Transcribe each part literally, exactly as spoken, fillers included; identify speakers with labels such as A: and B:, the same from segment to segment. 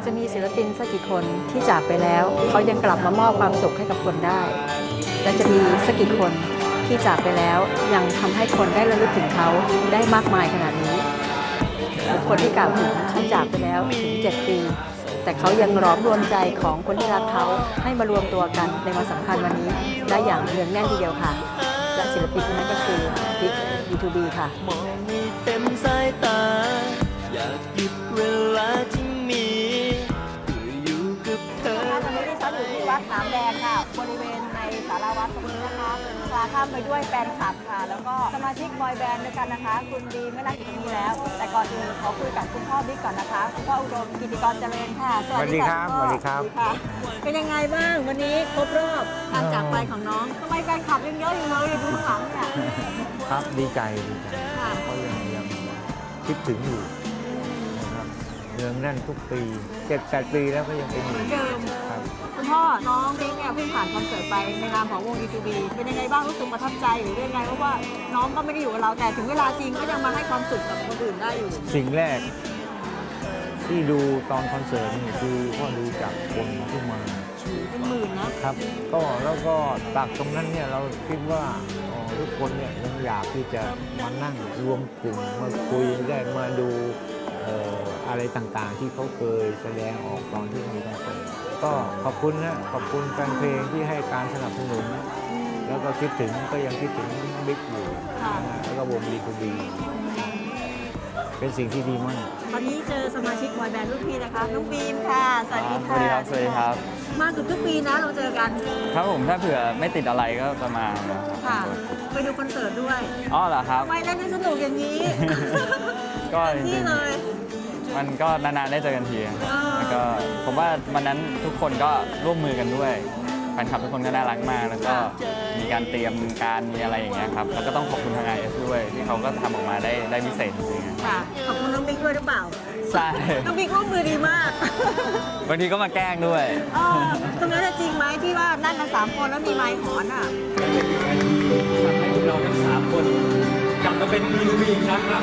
A: จะมีศิลปินสักกี่คนที่จากไปแล้วเขายังกลับมามอบความสุขให้กับคนได้และจะมีสักกี่คนที่จากไปแล้วยังทำให้คนได้ระลึกถึงเขาได้มากมายขนาดนี้บุคคลที่กล่าวถึงที่จากไปแล้วถึงเจ็ดปีแต่เขายังร้อมรวมใจของคนที่รักเขาให้มารวมตัวกันในวันสำคัญวันนี้ได้อย่างเนืองแน่นทีเดียวค่ะและศิลปินคนนั้นก็คือบิ๊ก บี ทู บี ค่ะ
B: มองให้เต็มสายตาอยากหยุดเวลาที่มีเพื่ออยู่กับเธอ
C: ตอนนี้ดิฉันอยู่ที่วัดหนามแดงค่ะบริเวณในศาลาวัดตรงนี้นะคะพาข้ามไปด้วยแฟนคลับค่ะแล้วก็สมาชิกบอยแบนด์ด้วยกันนะคะคุณดีไม่นั่งอยู่ตรงนี้แล้ว แต่ก่อนอื่นขอคุยกับคุณพ่อบิ๊กก่อนนะคะคุณพ่ออุดมกิติกรเจริญค่ะ
D: สวัสดีครับสวัสดีครับ
C: เป็นยังไงบ้างวันนี้ครบรอบการจากไปของน้องทำไมแฟนคลับยังเยอะอยู่เลยอยู่ดูข้างหลังเนี่ย
D: ครับดีใจดีใจเขายังยังคิดถึงอยู่นะครับเนืองแน่นทุกปีเจ็ดแปดปีแล้วก็ยังเป็นอยู่
C: เดิม
D: ครับ
C: คุณพ่อน้องบิ๊กเนี่ยเพิ่งผ่านคอนเสิร์ตไปในนามของวง บี ทู บี เป็นยังไงบ้างรู้สึกประทับใจหรือยังไงเพราะว่าน้องก็ไม่ได้อยู่กับเราแต่ถึงเวลาจริงก็ยังมาให้ความสุขกับคนอื่นได้อยู่
D: สิ่งแรกที่ดูตอนคอนเสิร์ตนี่คือพ่อดูจากคนที่มา
C: เป็นหมื่นนะครับ
D: ก็แล้วก็จากตรงนั้นเนี่ยเราคิดว่าทุกคนเนี่ยยังอยากที่จะมานั่งรวมกลุ่มมาคุยได้มาดูอะไรต่างๆที่เขาเคยแสดงออกตอนที่มีคอนเสิร์ตก็ขอบคุณนะขอบคุณแฟนเพลงที่ให้การสนับสนุนแล้วก็คิดถึงก็ยังคิดถึงบิ๊กอยู่แล้วก็วง บี ทู บี เป็นสิ่งที่ดีมาก
C: ตอนนี้เจอสมาชิกบอยแบนด์รุ่นพี่นะคะน้องบีมค่ะสวัสดีค่ะ
E: สวัสดีครับสวัสดีครับ
C: มาเกือบทุกปีนะเราเจอกัน
E: ครับผมถ้าเผื่อไม่ติดอะไรก็ประมาณ
C: ค่ะไปดูคอนเสิร์ตด้วย
E: อ๋อเหรอครับ
C: ไม่เล่นให้สนุกอย่างนี้
E: ก็
C: จริงๆเลย
E: มันก็นานๆได้เจอกันทีแล้วก็ผมว่าวันนั้นทุกคนก็ร่วมมือกันด้วยแฟนคลับทุกคนก็น่ารักมากแล้วก็มีการเตรียมการมีอะไรอย่างเงี้ยครับแล้วก็ต้องขอบคุณทาง ไอ เอส ด้วยที่เขาก็ทำออกมาได้ได้พิเศษจริงๆ
C: ค่ะขอบคุณน้องบิ๊กด้วยหรือเปล่า
E: ใช่
C: น้องบิ๊กร่วมมือดีมาก
E: บางทีก็มาแกล้งด้วย
C: ตรงนั้นจริงไหมที่ว่านั่งกันสามคนแล้วมีไมค์หอนอ่ะ
E: ทำให้เราทั้งสามคนกลับมาเป็น บี ทู บี อีกครั้งครับ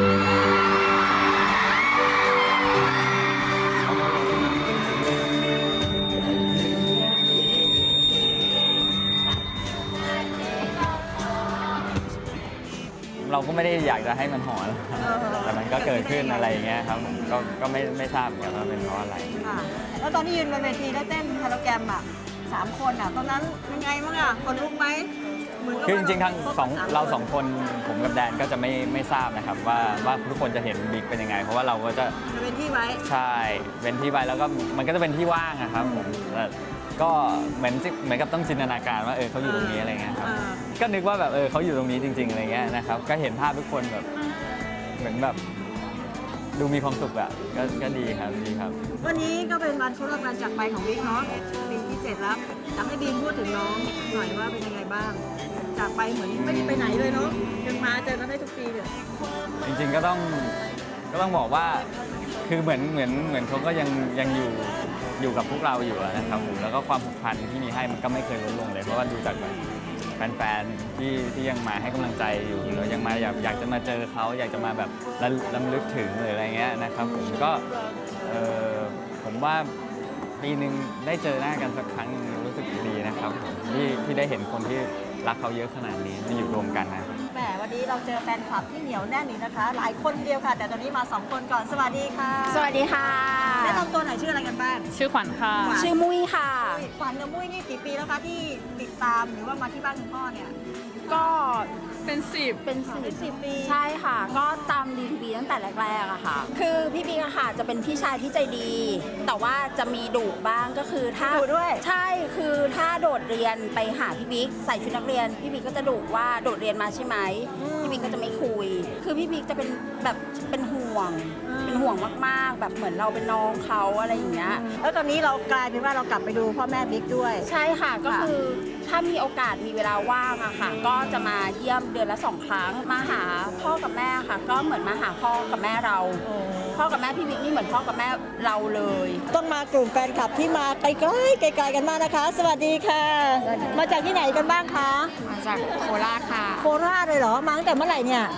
E: เราก็ไม่ได้อยากจะให้มันหอนแต่มันก็เกิดขึ้นอะไรอย่างเงี้ยครับก็ก็ไม่ไม่ทราบเหมือนกันว่าเป็นเพราะอะไร
C: ค่ะแล้วตอนที่ยืนบนเวทีแล้วเต้นฮาโลแกรมอ่ะสามคนอ่ะตอนนั้นยังไงบ้างอ่ะคนลุกไหม
E: คือจริงๆทั้งสองเราสองคนผมกับแดนก็จะไม่ไม่ทราบนะครับว่าว่าทุกคนจะเห็นบิ๊กเป็นยังไงเพราะว่าเราก็จะ
C: เป็นที่ไว้
E: ใช่เป็นที่ไว้แล้วก็มันก็จะเป็นที่ว่างอะครับผมก็เหมือนเหมือนกับต้องจินตนาการว่าเออเขาอยู่ตรงนี้อะไรเงี้ยครับก็นึกว่าแบบเออเขาอยู่ตรงนี้จริงๆอะไรเงี้ยนะครับก็เห็นภาพทุกคนแบบเหมือนแบบดูมีความสุขอะก็ก็ดีครับดีครับ
C: วันนี้ก็เป็นวันครบรอบการจากไปของบิ๊กเนาะปีที่เจ็ดแล้วอยากให้บีมพูดถึงน้องหน่อยว่าเป็นยังไงบ้างจากไปเหมือนไม่ได้ไปไหนเลยเนาะยังมาเจอกันได้ทุกปีเลย
E: จริงๆก็ต้องก็ต้องบอกว่าคือเหมือนเหมือนเหมือนเขาก็ยังยังอยู่อยู่กับพวกเราอยู่นะครับผมแล้วก็ความผูกพันที่มีให้มันก็ไม่เคยลดลงเลยเพราะว่าดูจากแฟนๆที่ที่ยังมาให้กำลังใจอยู่แล้วยังมาอยากอยากจะมาเจอเขาอยากจะมาแบบรำลึกถึงหรืออะไรเงี้ยนะครับผมก็ผมว่าปีหนึ่งได้เจอหน้ากันสักครั้งรู้สึกดีนะครับผมที่ที่ได้เห็นคนที่รักเขาเยอะขนาดนี้มาอยู่รวมกันนะ
C: แหมวันนี้เราเจอแฟนคลับที่เหนียวแน่นนี่นะคะหลายคนเดียวค่ะแต่ตอนนี้มาสองคนก่อนสวัสดีค่ะ
F: สวัสดีค่ะ
C: แนะนำตัวหน่อยชื่ออะไรกันบ้าง
F: ชื่อขวัญค่ะชื่อมุ้ยค่ะ
C: ขวัญกับมุ้ยนี่กี่ปีแล้วคะที่ติดตามหรือว่ามาที่บ้านคุณพ่อเนี่ย
F: ก็เป็นสิบ
C: เป็นสิบสิบปี
F: ใช่ค่ะก็ตาม บี ทู บี ตั้งแต่แรกๆอะค่ะคือพี่บิ๊กอะค่ะจะเป็นพี่ชายที่ใจดีแต่ว่าจะมีดุบ้างก็คือถ้า
C: ดุด้วย
F: ใช่คือถ้าโดดเรียนไปหาพี่บิ๊กใส่ชุดนักเรียนพี่บิ๊กก็จะดุว่าโดดเรียนมาใช่ไหมพี่บิ๊กก็จะไม่คุยคือพี่บิ๊กจะเป็นแบบเป็นห่วงเป็นห่วงมากๆแบบเหมือนเราเป็นน้องเขาอะไรอย่างเงี้ย
C: แล้วตอนนี้เรากลายเป็นว่าเรากลับไปดูพ่อแม่บิ๊กด้วย
F: ใช่ค่ะก็คือถ้ามีโอกาสมีเวลาว่างอะค่ะก็จะมาเยี่ยมเดือนละสองครั้งมาหาพ่อกับแม่ค่ะก็เหมือนมาหาพ่อกับแม่เราพ่อกับแม่พี่บิ๊กนี่เหมือนพ่อกับแม่เราเลย
C: ต้องมากลุ่มแฟนคลับที่มาไกลๆไกลๆกันมากนะคะสวัสดีค่ะมาจากที่ไหนกันบ้างคะ
F: มาจากโคราชค่ะ
C: โคราชเลยเหรอมาตั้งแต่เมื่อไหร่เนี่ย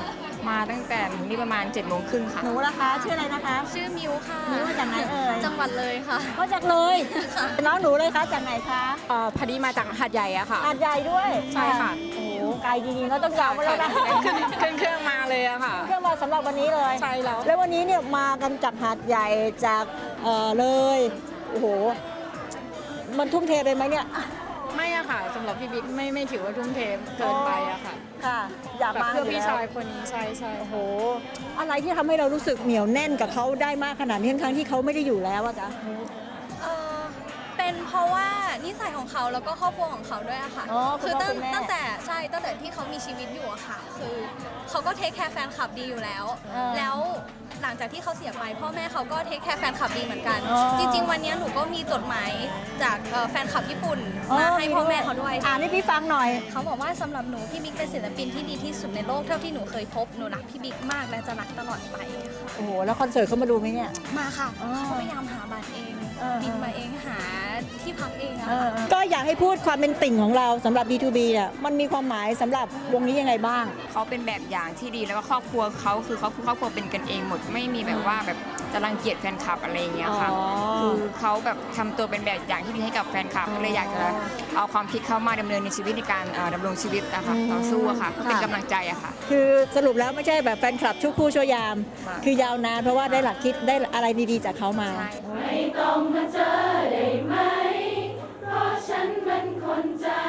G: มาตั้งแต่ถึงนี่ประมาณ7จ็ดโมงครึ่งค่ะ
C: หนูล่ะคะชื่ออะไรนะคะ
H: ชื่อมิวค่ะ
C: มิวมาจากไหนเอ่ย
H: จังหวัดเลยค่ะ
C: มาจากเลยน้องหนูเลยคะจากไหนคะ
G: เอ่อพอดีมาจากหาดใหญ่อะค่ะ
C: หาดใหญ่ด้วย
G: ใช่ค่ะ
C: โอ้โหไกลจริงๆก็ต้องยาวมาแล้วนะ
G: ขึ้นขึ้นเครื่องมาเลยอะค่ะ
C: เครื่องมาสำหรับวันนี้เลย
G: ใช่แล้ว
C: แล้ววันนี้เนี่ยมากันจากหาดใหญ่จากเอ่อเลยโอ้โหมันทุ่มเทไปไหมเนี่ย
G: ไม่อะค่ะสำหรับพี่บิ๊กไม่ไม่ถือว่าทุ่มเทเกินไปอะค่ะ
C: ค่ะ อยาก
G: แบบ
C: มา
G: เพื่อพี่
C: ยู่แล้ว
G: ชายคนนี้ใช่ใช่
C: โอ้โหอะไรที่ทำให้เรารู้สึกเหนียวแน่นกับเขาได้มากขนาดนี้ทั้งๆที่เขาไม่ได้อยู่แล้วอะจ๊ะ
H: เอ่อเป็นเพราะว่านิสัยของเขาแล้วก็ครอบครัวของเขาด้วยอะค่ะ
C: อ๋อคุณ
H: คือ
C: พ่อ
H: ตั้
C: คุ
H: ง
C: ณแม่
H: ตั้งแต่ใช่ตั้งแต่ที่เขามีชีวิตอยู่อะค่ะ คือเขาก็เทคแคร์แฟนคลับดีอยู่แล้ว
C: เออ
H: แล้วหลังจากที่เขาเสียไปพ่อแม่เขาก็เทคแคร์แฟนคลับดีเหมือนกัน
C: อ๋อ
H: จริง ๆ วันนี้หนูก็มีจดหมายจากเอ่อแฟนคลับญี่ปุ่นมาให้พ่อแม่เขาด้วย
C: อ่านให้พี่ฟังหน่อย
H: เขาบอกว่าสำหรับหนูพี่บิ๊กเป็นศิลปินที่ดีที่สุดในโลกเท่าที่หนูเคยพบหนูรักพี่บิ๊กมากและจะรักตลอดไปค่ะ
C: โอ้โหแล้วคอนเสิร์ตเขามาดูไหมเนี่ย
H: มาค่ะ
C: อ๋อ
H: เขาพยายามหาบัตรเอง
C: เออ
H: บินมาเองหาที่พักเองอะ
C: เออ
H: ค่ะ
C: ก็อยากให้พูดความเป็นติ่งของเราสำหรับ บี ทู บี เนี่ยมันมีความหมายสำหรับวงนี้ยังไงบ้าง
G: เขาเป็นแบบอย่างที่ดีแล้วก็ครอบครัวเขาคือเขาคือครอบครัวเป็นกันเองหมดไม่มีแบบว่าแบบจะรังเกียจแฟนคลับอะไรอย่างเงี้ยค่ะ
C: อ๋อ
G: คือเขาแบบทำตัวเป็นแบบอย่างที่ดีให้กับแฟนคลับก็เลยอยากจะเอาความคิดเข้ามาดำเนินในชีวิตในการเอ่อดำรงชีวิตนะคะต่อสู้อะค่ะเพื่อเป็นกำลังใจอะค่ะ
C: คือสรุปแล้วไม่ใช่แบบแฟนคลับชั่วครู่ชั่วยาม
G: ค่ะ
C: คือยาวนานเพราะว่าได้หลักคิดได้อะไรดีๆจากเขามา
G: ใช่
I: ไม่ต้องมาเจอได้ไหม เพราะฉันมันคนใจ